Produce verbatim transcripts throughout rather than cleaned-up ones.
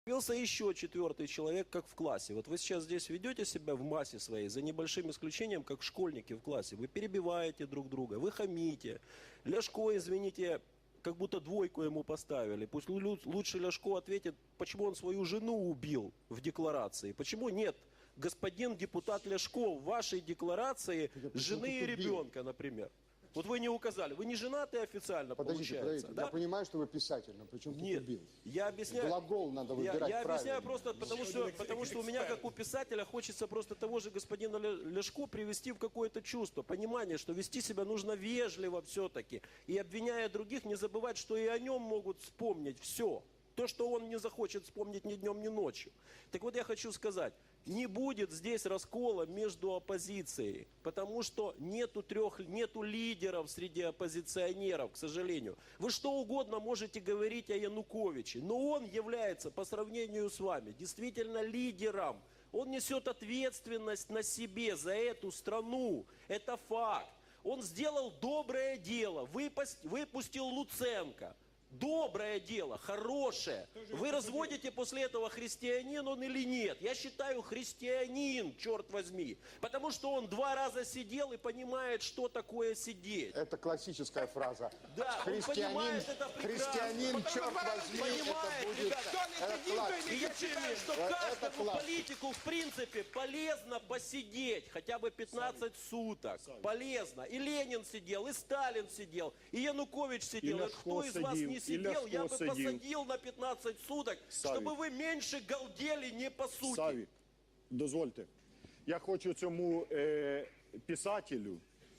Появился еще четвертый человек, как в классе. Вот вы сейчас здесь ведете себя в массе своей, за небольшим исключением, как школьники в классе. Вы перебиваете друг друга, вы хамите. Ляшко, извините, как будто двойку ему поставили. Пусть лучше Ляшко ответит, почему он свою жену убил в декларации. Почему нет, господин депутат Ляшко, в вашей декларации жены и ребенка, например. Вот вы не указали. Вы не женаты официально, Подождите, получается, подождите. Да? Я понимаю, что вы писатель, но при чем тут Нет, убил? я объясняю. Глагол надо выбирать Я, я объясняю правильно. просто потому что, потому что у меня, как у писателя, хочется просто того же господина Ляшко привести в какое-то чувство, понимание, что вести себя нужно вежливо все-таки. И обвиняя других, не забывать, что и о нем могут вспомнить все. То, что он не захочет вспомнить ни днем, ни ночью. Так вот я хочу сказать, не будет здесь раскола между оппозицией, потому что нету трех, нету лидеров среди оппозиционеров, к сожалению. Вы что угодно можете говорить о Януковиче, но он является, по сравнению с вами, действительно лидером. Он несет ответственность на себе за эту страну. Это факт. Он сделал доброе дело, выпустил Луценко. Доброе дело, хорошее. Вы разводите после этого, христианин он или нет? Я считаю, христианин, черт возьми. Потому что он два раза сидел и понимает, что такое сидеть. Это классическая фраза. Да, христианин, он понимает это прекрасно. христианин, черт возьми, понимает, это будет... ребята. Это класс. И я считаю, что Это каждому класс. политику, в принципе, полезно посидеть хотя бы пятнадцать суток. Полезно. И Ленин сидел, и Сталин сидел, и Янукович сидел. И, и кто из вас не сидел, я бы сидел. посадил на пятнадцать суток, Савік. Чтобы ви менше галдели не по суті. Савік, дозвольте. Я хочу цьому е, писателю,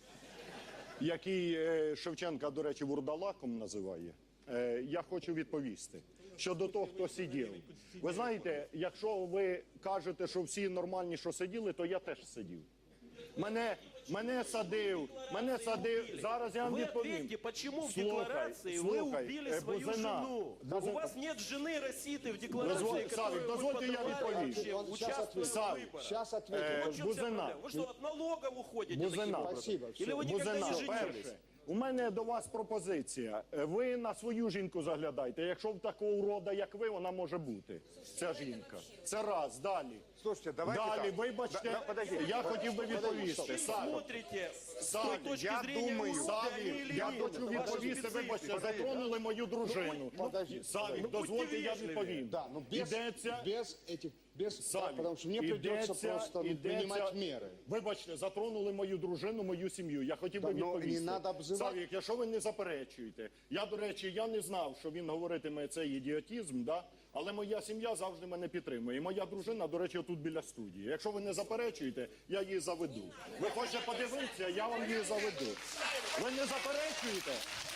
який е, Шевченка, до речі, вурдалаком називає, е, я хочу відповісти. Щодо того, хто сидів. Ви знаєте, якщо ви кажете, що всі нормальні, що сиділи, то я теж сидів. Мене, мене садив, мене садив, зараз я вам Вы відповім. ответьте, почему в Слухай, декларации слухай, вы убили е, свою Бузина. жену? Бузина. У вас нет жены Роситы в декларации, Дозволь- которую Савік, вы дозвольте, я подавали відповім. вообще, Он щас участвуя в ответит. выборах. Сейчас ответим. Е, Вот в чем вся Бузина. проблема? Вы что, от налогов уходите? Бузина. таким образом? Спасибо, Или вы все. никогда Бузина, не женились? перше, у мене до вас пропозиція. Ви на свою жінку заглядайте. Якщо в такого урода, як ви, вона може бути. Ця жінка. Це раз. Далі. Слушайте, давайте Далі, так. вибачте, Да, да, подождите. я хотів би відповісти. Вы Савік, смотрите с Савік, той точки я зрения, думаю, урода они Савік, или я нет. хочу Это ваша відповісти, специфика. вибачте, затронули мою дружину. Подожди. Савік, Ну, дозвольте, будьте я вежливі. відповім. Да, но без, Ідеться... без этих, без, Савік, потому что мне придется ідеться- просто ну, ідеться- принимать меры. Вибачте, затронули мою дружину, мою сім'ю. Я хотів би Да, но відповісти. не надо обзивати. Савік, якщо ви не заперечуєте. Я, до речі, я не знав, що він говоритиме цей ідіотизм, да? Але моя сім'я завжди мене підтримує. І моя дружина, до речі, тут біля студії. Якщо ви не заперечуєте, я її заведу. Ви хочете подивитися, я вам її заведу. Ви не заперечуєте?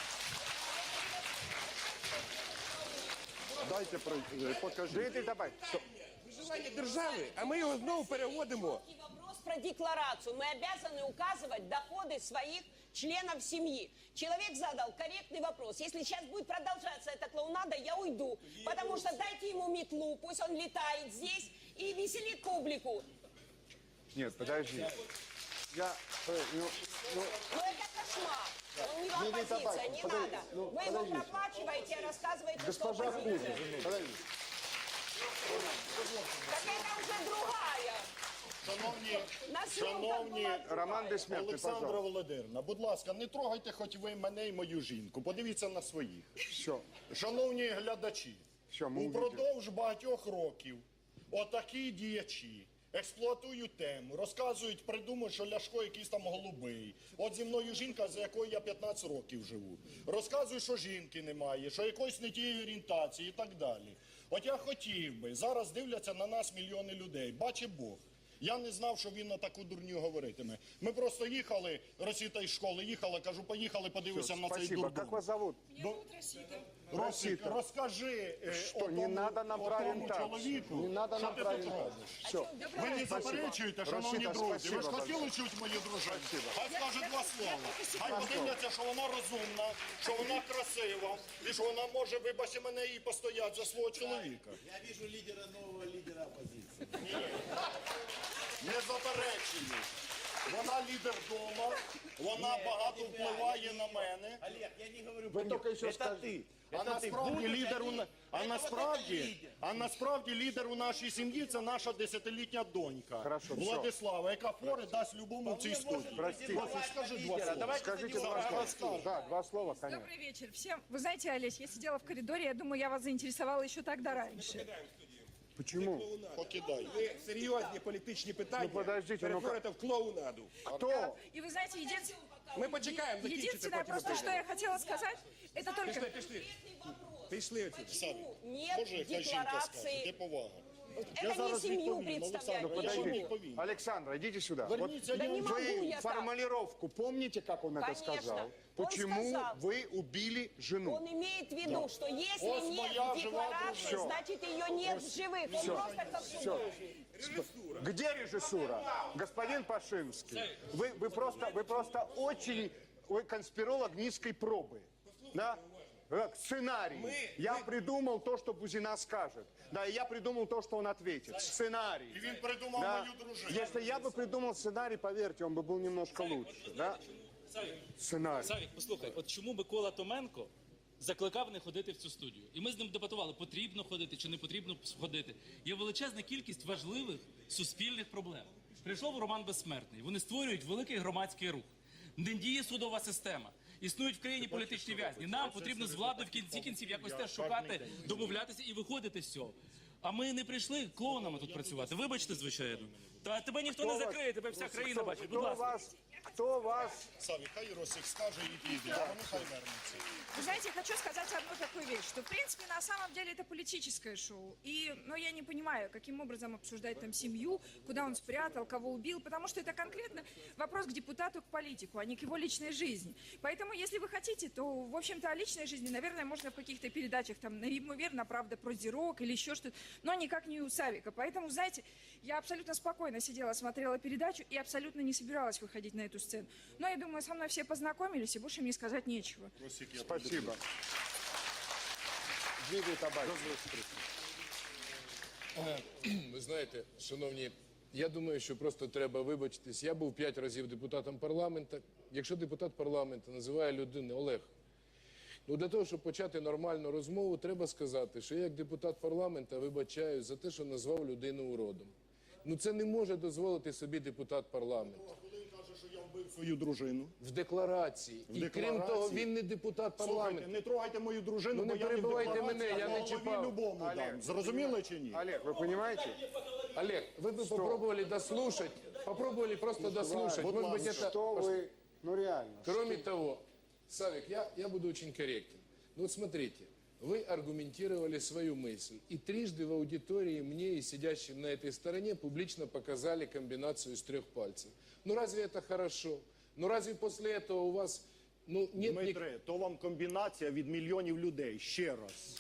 Дайте про- покажіть. Дайте, давай. Виживання держави, а ми його знову переводимо. Вопрос про декларацию. Мы обязаны указывать доходы своих членов семьи. Человек задал корректный вопрос. Если сейчас будет продолжаться эта клоунада, я уйду. Потому что дайте ему метлу, пусть он летает здесь и веселит публику. Нет, подожди. Я, Ну, ну, Но это кошмар. Он не в Не, не, оппозиция, давай, не подожди, надо. ну, Вы его подождите. проплачиваете, рассказываете, госпожа что оппозиция. Кузя, подожди. Так это уже другая. Шановні, На съемках шановні была Роман Бессмертный, Олександра пожалуйста. Володимирівна, будь ласка, не трогайте хоч ви мене і мою жінку. Подивіться на своїх. Все. Шановні глядачі, Що, ми упродовж багатьох років отакі діячі експлуатують тему, розказують, придумують, що Ляшко якийсь там голубий. От зі мною жінка, за якою я п'ятнадцять років живу. Розказують, що жінки немає, що якоїсь не тієї орієнтації і так далі. От я хотів би, зараз дивляться на нас мільйони людей, бачить Бог. Я не знав, що він на таку дурню говоритиме. Ми просто їхали, Росіта із школи їхала, кажу, поїхали, подивися на цей Спасибо. дурдом. Как вас зовут? Росик, Росіта. розкажи е, Що, отому, не надо нам про отому орієнтацію. чоловіку, Не надо що нам ти про тут орієнтацію. робиш. Все. Ви не заперечуєте, шановні Росіта, друзі. Ви ж спасибо хотіли чути мою дружину? Хай скаже два слова. Хай подивляться, що вона розумна, що вона красива, і що вона може, вибачте мене, і постояти за свого чоловіка. Я вижу лидера, нового лидера оппозиции. Не заперечую. Вона лідер вдома, вона багато впливає на мене. Олег, я не говорю Вы про только них. еще Это скажите. ты. А насправді лідер у на- а насправді, а насправді лідер у нашій сім'ї це наша десятилітня донька Хорошо, все. Владислава, яка фори дасть любому в цій студії. Простите. Вася, скажи два слова. Скажите два слова. Да, два слова, конечно. Добрый вечер всем. Вы знаете, Олесь, я сидела в коридоре, я думаю, я вас заинтересовала еще тогда раньше. Почему? Покидай. Ви серйозні політичні питання Ну, подождите, ну, перетворите в клоунаду. Кто? И вы знаете, един- Ми почекаємо, закінчите, единственное потім просто, что обговоримо. я хотела сказать, это только... Пішли, пішли. Пішли отсюди. Почему Боже, нет яка жінка скаже, де декларации? повага. Это не семью відповім, представляет, Олександр, не подожди. жену. Відповім. Александра, идите сюда. Верніться, Да я не вже- могу Вы я так. формулировку помните, как он это Конечно. сказал? Он Почему сказал. вы убили жену? Он имеет в виду, что если Вот нет моя жива декларации, дружина. значит ее нет в живых. Он просто как художник. Где режиссура? Господин Пашинский, вы, вы, просто, вы просто очень вы конспиролог низкой пробы. Да? Как сценарий. Я придумал то, что Бузина скажет. Да, и я придумал то, что он ответит. Сценарий. І він придумав Да. мою дружину. Если я бы придумал сценарий, поверьте, он бы был немножко лучше. Да? Сценарий. Савік, послухай, от чому Микола Томенко закликав не ходити в цю студію? І ми з ним дебатували, потрібно ходити чи не потрібно ходити. Є величезна кількість важливих суспільних проблем. Прийшов Роман Безсмертний, вони створюють великий громадський рух. Не діє судова система. Існують в країні політичні в'язні. Нам потрібно з владою в кінці кінців якось теж шукати, домовлятися і виходити з цього. А ми не прийшли клоунами тут працювати. Вибачте, звичайно. Та тебе ніхто не закриє, тебе вся країна бачить. Будь Кто ласка. вас, кто вас Саві, хай Росик скаже і піде, а вони хай вернуться. Вы знаете, я хочу сказать одну такую вещь, что, в принципе, на самом деле это политическое шоу. И, ну, я не понимаю, каким образом обсуждать там семью, куда он спрятал, кого убил, потому что это конкретно вопрос к депутату, к политику, а не к его личной жизни. Поэтому, если вы хотите, то, в общем-то, о личной жизни, наверное, можно в каких-то передачах, там, наверное, правда, про Зирок или еще что-то, но никак не у Савика. Поэтому, знаете, я абсолютно спокойно сидела, смотрела передачу и абсолютно не собиралась выходить на эту сцену. Но я думаю, со мной все познакомились, и больше мне сказать нечего. Росик, я Спасибо. Дмитрий Табачник. Ви знаєте, шановні, я думаю, що просто треба вибачитись. Я був п'ять разів депутатом парламенту. Якщо депутат парламенту називає людину Олег, ну для того, щоб почати нормальну розмову, треба сказати, що я як депутат парламенту вибачаюсь за те, що назвав людину уродом. Ну це не може дозволити собі депутат парламенту. Коли він каже, що я вбив свою дружину. В декларації. І крім декларації? того, він не депутат Слухайте, парламенту. не трогайте мою дружину, Ну, бо не я не в перебивайте декларації, мене, я а не голові чіпав. любому дам. Зрозуміли чи ні? Олег, вы понимаете? Олег, вы бы попробовали дослушать, попробовали просто дослушать. будь Может быть, ласка. это... Что вы, ну реально. Кроме того, Савик, я, я буду очень корректен. Ну вот смотрите, вы аргументировали свою мысль. И трижды в аудитории мне и сидящим на этой стороне публично показали комбинацию из трех пальцев. Ну разве это хорошо? Ну разве после этого у вас ну, нет ни- Дмитре, то вам комбінація від мільйонів людей. Ще раз.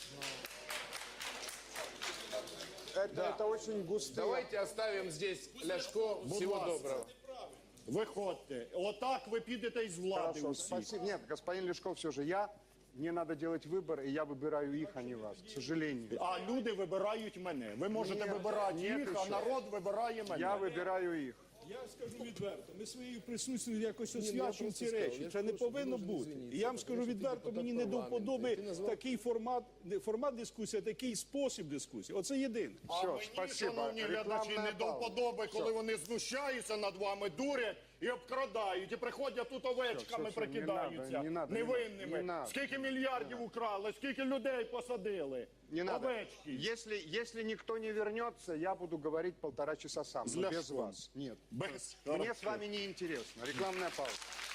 Это, это очень густые. Давайте оставим здесь Ляшко. Всего ласка. доброго. Виходьте. Отак ви підете із влади Хорошо, усі. спасибо. Нет, господин Лешков, все же я, мне надо делать выбор, и я выбираю их, а не вас, к сожалению. А люди вибирають мене. Ви можете Ні, вибирати ні, їх, ти а що? народ вибирає мене. Я выбираю их. Я скажу відверто, ми своєю присутністю якось ну, я освячуємо просто ці сказав, речі. я Це ж не прошу, повинно дуже бути. извините, І я вам тому скажу що ти відверто, депутат мені не до парламенту, вподоби ти назвав- такий формат, не формат дискусії, а такий спосіб дискусії. Оце єдине. А Все, мені, спасибо. шановні глядачі, Рекламная не до пауза. вподоби, коли вони знущаються над вами, дурять і обкрадають, і приходять тут овечками, все, все, не прикидаються, надо, не надо, не невинними. надо. Не надо. Скільки мільярдів украли, скільки людей посадили. Не надо. Овечки. Если, если никто не вернется, я буду говорить полтора часа сам, С но без Ляшком. вас. Нет. Без. Мне с вами не интересно. Рекламная пауза.